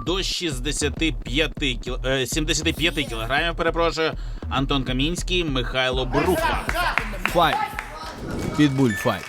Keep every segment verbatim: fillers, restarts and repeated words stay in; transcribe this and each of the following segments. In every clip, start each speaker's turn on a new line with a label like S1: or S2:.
S1: до шістдесяти п'яти кіл... е, сімдесяти п'яти кілограмів, перепрошую, Антон Камінський, Михайло Бруква.
S2: Файт. Підбуль файт.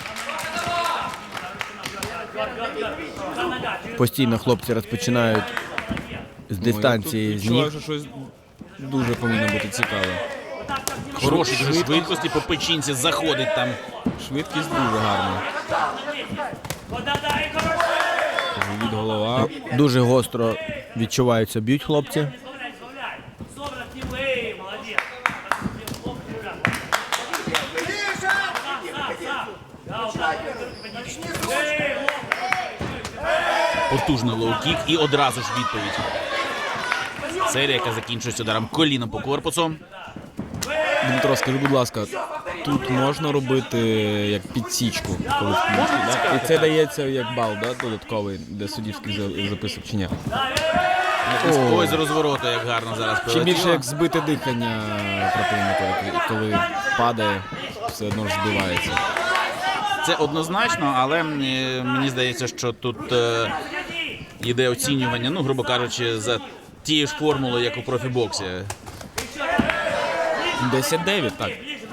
S2: Постійно хлопці розпочинають з дистанції, з ніг.
S3: Відчуваю, що щось дуже повинно бути цікаве.
S1: Хороші дуже швидкості, по печінці заходить там.
S3: Швидкість дуже гарна. Від голова.
S2: Дуже гостро відчуваються, б'ють хлопці.
S1: Потужний лоу-кік і одразу ж відповідь. Серія, яка закінчується ударом коліном по корпусу.
S3: Дмитро, скажи, будь ласка, тут можна робити як підсічку, коли в кінці, да? І це дається як бал, да, додатковий, для суддівських за- записок чи ні?
S1: Ой, з розвороту, як гарно зараз
S3: Чи більше
S1: прилетіло.
S3: як збите дихання противника, як- коли падає, все одно ж збивається.
S1: Це однозначно, але е, мені здається, що тут е, йде оцінювання, ну, грубо кажучи, за тією ж формулою, як у профібоксі.
S3: десять дев'ять, так.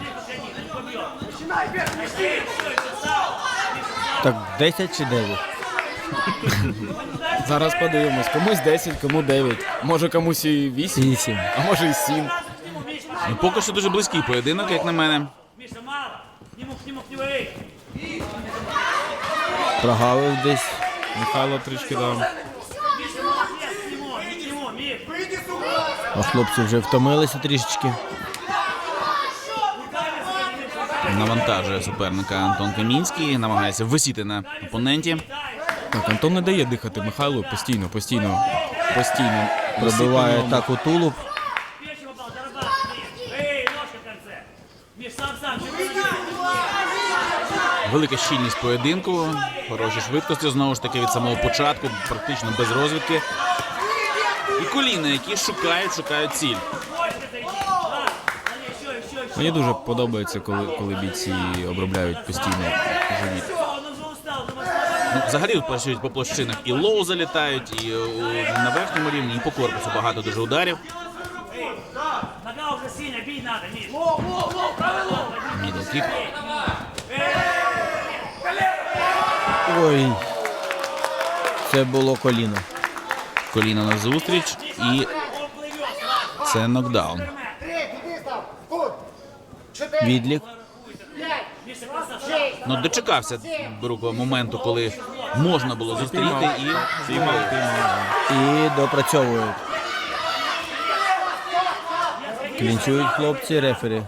S2: Так, десять чи дев'ять?
S3: Зараз подивимось. Комусь десять, кому дев'ять. Може комусь і вісім,
S2: Вісім.
S3: а може і сім.
S1: Ну, поки що дуже близький поєдинок, як на мене.
S2: Прогавив десь.
S3: Михайло трішки дав.
S2: А хлопці вже втомилися трішечки.
S1: Навантажує суперника Антон Камінський, намагається висіти на опоненті.
S3: Так, Антон не дає дихати Михайлу постійно, постійно, постійно.
S2: Пробиває
S3: Висить на ньому.
S2: так у тулуб.
S1: Велика щільність поєдинку, хороші швидкості, знову ж таки, від самого початку, практично без розвідки. І коліна, які шукають, шукають ціль.
S3: Мені дуже подобається, коли, коли бійці обробляють постійно живіт.
S1: Ну, взагалі тут працюють по площинах. І лоу залітають, і о, на верхньому рівні, і по корпусу багато дуже ударів. Мідл-кік.
S2: Ой. Це було коліно.
S1: Коліна на зустріч, і це нокдаун.
S2: Відлік.
S1: Ну, дочекався Бруква моменту, коли можна було зустріти і
S3: Піймав, піймав.
S2: І допрацьовують. Клінчують хлопці, рефері.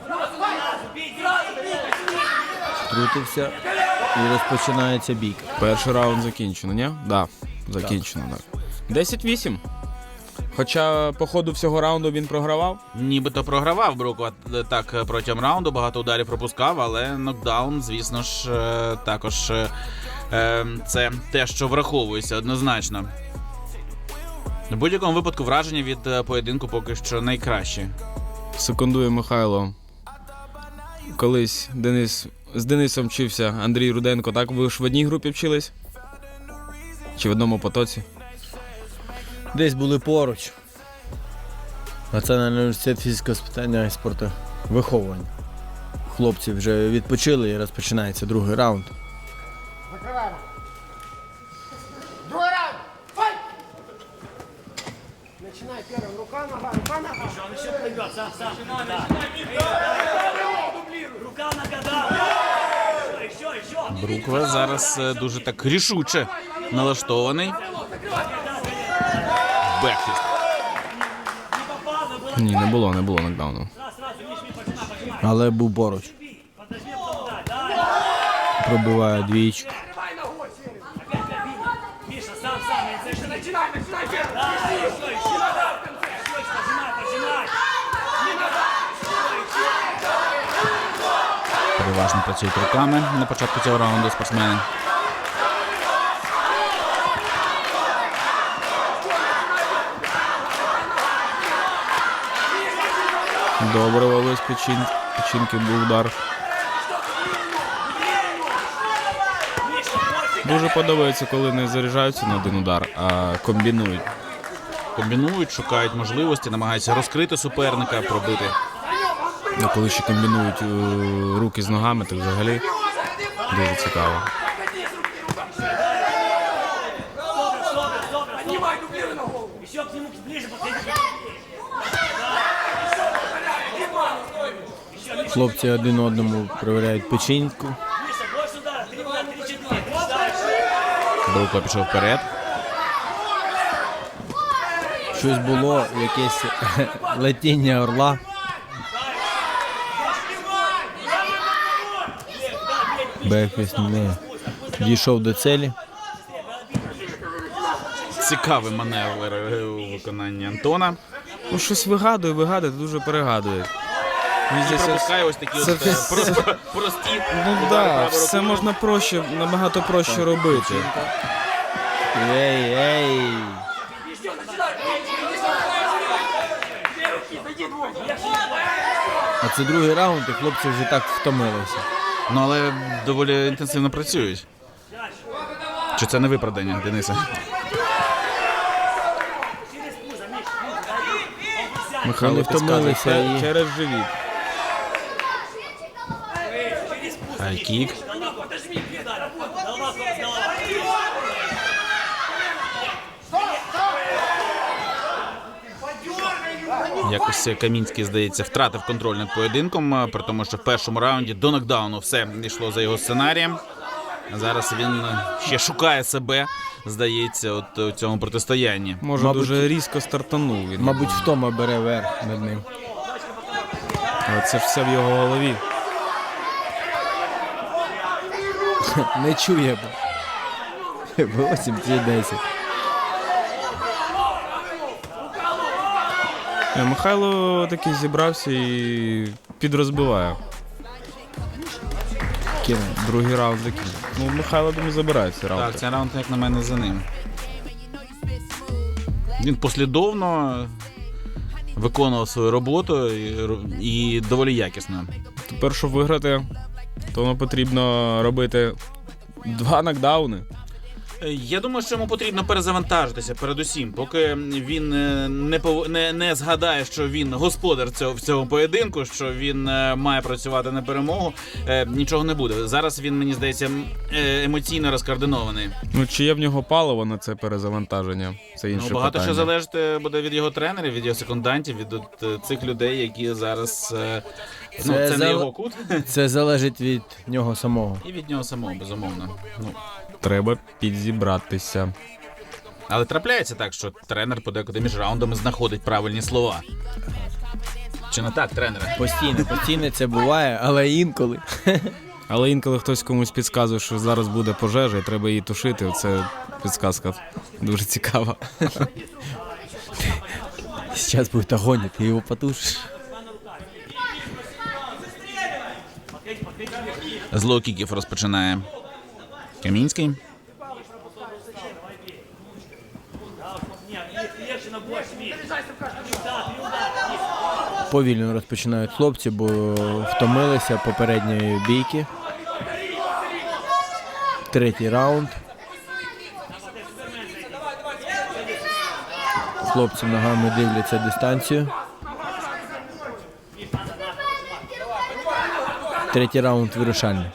S2: Втрутився і розпочинається бійка.
S3: Перший раунд закінчено, ні? Да, закінчено, так. десять вісім. Хоча по ходу всього раунду він програвав.
S1: нібито програвав Бруква так протягом раунду, багато ударів пропускав, але нокдаун, звісно ж, е, також е, е, це те, що враховується однозначно. В будь-якому випадку враження від е, поєдинку поки що найкраще.
S3: Секундує Михайло. Колись Денис, з Денисом вчився Андрій Руденко. Так, ви ж в одній групі вчились? Чи в одному потоці?
S2: Десь були поруч. Національний університет фізичного спитання і спорту виховування. Хлопці вже відпочили і розпочинається другий раунд.
S4: Закриваємо. Другий раунд. Файт! Начинай первым. Рука, нога, рука, нога.
S5: Он еще плывет, сам, сам. Да. Рука, нога, да. Еще, еще, еще.
S1: Бруква зараз е, дуже так рішуче налаштований. Бекфіст.
S3: Ні, не було, не було нокдауну.
S2: Але був поруч. Пробиває двічку.
S5: Миша, сам, сам.
S4: Начинай, начинай первым.
S5: Да, еще, еще. Пожимай, пожимай.
S1: Переважно працюють руками на початку цього раунду спортсмени.
S3: Добре, вовись печин, печінки був удар. Дуже подобається, коли не заряджаються на один удар, а комбінують.
S1: комбінують, шукають можливості, намагаються розкрити суперника, пробити.
S3: Ну, коли ще комбінують е, руки з ногами, то взагалі дуже цікаво.
S4: Поднимай, дублируй на голову.
S5: Еще к нему ближе подходи.
S2: Хлопці один одному перевіряють печінку.
S5: Миша, больше удара. Три удара, три-четыре. Дальше.
S1: Бруко пішов вперед.
S2: Щось було, якесь летіння орла. Бекфіст не дійшов до цілі.
S1: Цікавий маневр у виконанні Антона.
S3: Ну, щось вигадує, вигадує, дуже перегадує. Мені
S1: І
S3: здається,
S1: пропускає ось такі
S3: це
S1: от, е,
S3: все-
S1: про- про- прості
S3: Ну
S1: удари
S3: так,
S1: правою
S3: все
S1: рукою.
S3: можна проще, набагато проще робити.
S2: Ей, ей! А це другий раунд, і хлопці вже так втомилися.
S1: Ну, але доволі інтенсивно працюють. Чи це не виправдання, Дениса?
S3: Михайло
S2: Вони
S3: підказує,
S2: втомилися
S3: це
S2: і-
S3: через живіт.
S1: Хайкік.
S5: Подожми, две удара. Голова, корпус, голова.
S1: Якось Камінський, здається, втратив контроль над поєдинком, при тому, що в першому раунді до нокдауну все йшло за його сценарієм. А зараз він ще шукає себе, здається, от у цьому протистоянні.
S3: Може,
S2: Мабуть,
S3: дуже різко стартанув він.
S2: Мабуть, втома бере верх над ним.
S3: Але це ж все в його голові.
S2: Не чує. вісім чи десять.
S3: Е, Михайло таки зібрався і підрозбиває.
S2: Кинув.
S3: Другий раунд закінчив. Ну, Михайло, думаю, забирає цей раунд.
S1: Так, цей раунд, як на мене, за ним. Він послідовно виконував свою роботу і, і доволі якісно.
S3: Тепер, щоб виграти, то нам потрібно робити два нокдауни.
S1: Я думаю, що йому потрібно перезавантажитися передусім, поки він е, не пов... не, не згадає, що він господар цього в цьому поєдинку, що він е, має працювати на перемогу. е, Нічого не буде. Зараз він, мені здається, м, е, емоційно розкоординований.
S3: Ну, чи є в нього паливо на це перезавантаження? Це інше
S1: Ну, багато
S3: питання.
S1: що залежить е, буде від його тренерів, від його секундантів, від от, е, цих людей, які зараз е, ну,
S2: Це
S1: це не
S2: зал-
S1: його кут,
S2: Це залежить від нього самого.
S1: і від нього самого, безумовно. Ну.
S3: Треба підзібратися.
S1: Але трапляється так, що тренер подекуди між раундами знаходить правильні слова. Чи не так, тренере?
S2: Постійно, постійно це буває, але інколи.
S3: Але інколи хтось комусь підказує, що зараз буде пожежа і треба її тушити. Це підказка дуже цікава.
S2: Зараз буде огонь, ти його потушиш.
S1: З лоу-кіків розпочинає Камінський.
S5: Легче на больше, Миш. Да, три удара.
S2: Повільно розпочинають хлопці, бо втомилися попередньої бійки. Третій раунд. Хлопці ногами дивляться дистанцію. Третій раунд вирішальний.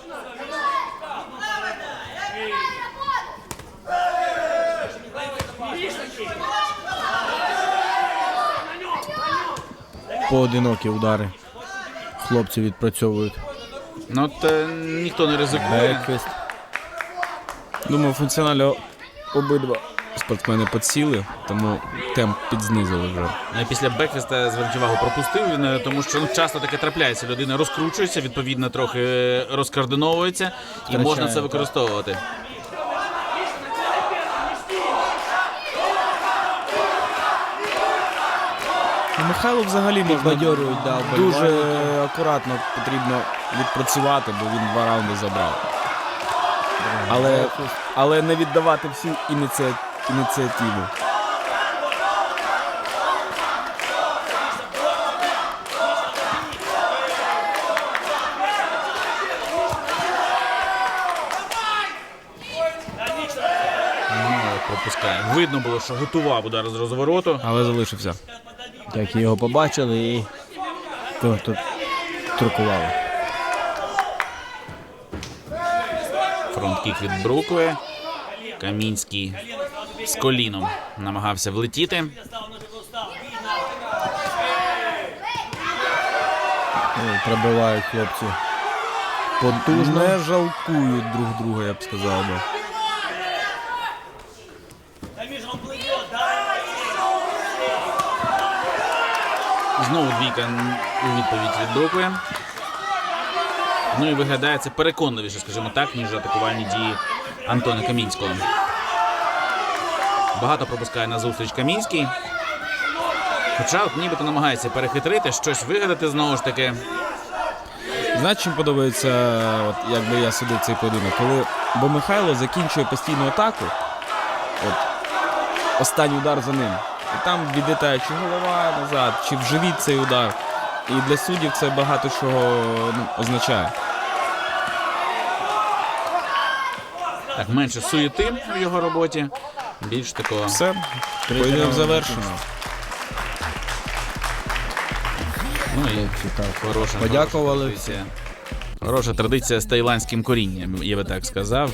S2: Поодинокі удари. Хлопці відпрацьовують.
S1: Ну от е, ніхто не ризикує.
S2: Бекфіст.
S3: Думаю, функціонально обидва спортсмени підсіли, тому темп підзнизили вже.
S1: Е, Після бекфіста, зверніть увагу, пропустив він, е, тому що ну, часто таке трапляється. Людина розкручується, відповідно, трохи е, розкоординовується, і
S2: Втрачає,
S1: можна це
S2: так.
S1: використовувати.
S3: Ну, Михайло взагалі можна
S2: Підбадьорюють, да,
S3: дуже
S2: вболівальники.
S3: акуратно потрібно відпрацювати, бо він два раунди забрав. Але, але не віддавати всю ініці... ініціативу.
S1: Ну, пропускає. Видно було, що готував удар з розвороту.
S3: Але залишився.
S2: Так і його побачили і то, тут трукували.
S1: Фронт-кік від Брукви. Камінський з коліном намагався влетіти.
S2: Ну, пробивають хлопці потужно.
S3: Не жалкують друг друга, я б сказав би.
S1: Знову двійка у відповідь від Брукви. Ну і виглядає це переконливіше, скажімо так, ніж атакувальні дії Антона Камінського. Багато пропускає на зустріч Камінський. Хоча от нібито намагається перехитрити, щось вигадати знову ж таки.
S3: Знаєш, чим подобається, от, якби я судив цей поєдинок? Коли бо Михайло закінчує постійну атаку, от, останній удар за ним. І там відлітає чи голова назад, чи в живіт цей удар. І для суддів це багато чого ну, означає.
S1: Так, менше суєти в його роботі. Більш такого.
S3: Все, поєдинок завершено.
S1: Ну і
S2: Так,
S1: хороша,
S2: подякували.
S1: хороша традиція. Хороша традиція з таїландським корінням, я би так сказав.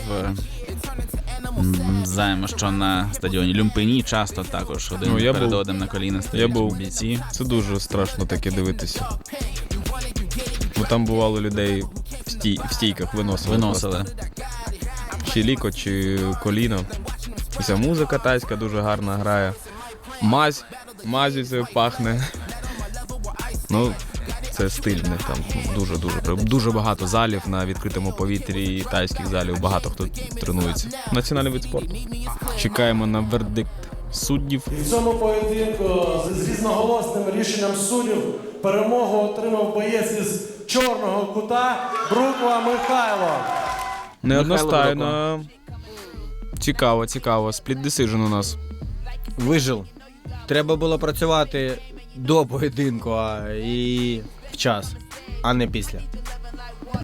S1: М, Знаємо, що на стадіоні Люмпині часто також один
S3: Ну, я
S1: перед
S3: був.
S1: одним на коліна
S3: Я
S1: стоять
S3: був.
S1: бійці.
S3: Це дуже страшно таке дивитися. Бо там бувало людей в, стій, в стійках виносили.
S1: Виносили.
S3: просто. Чи ліко, чи коліно. І ця музика тайська дуже гарна грає. Мазь, мазю це пахне. Ну, це стиль в них там дуже-дуже. Дуже багато залів на відкритому повітрі, тайських залів, багато хто тренується. Національний вид спорту. Чекаємо на вердикт суддів.
S6: В цьому поєдинку з різноголосним рішенням суддів перемогу отримав боєць із чорного кута Бруква Михайло.
S3: Неодностайно. Цікаво, цікаво. Спліт десижн у нас.
S2: Вижив. Треба було працювати до поєдинку а і в час, а не після.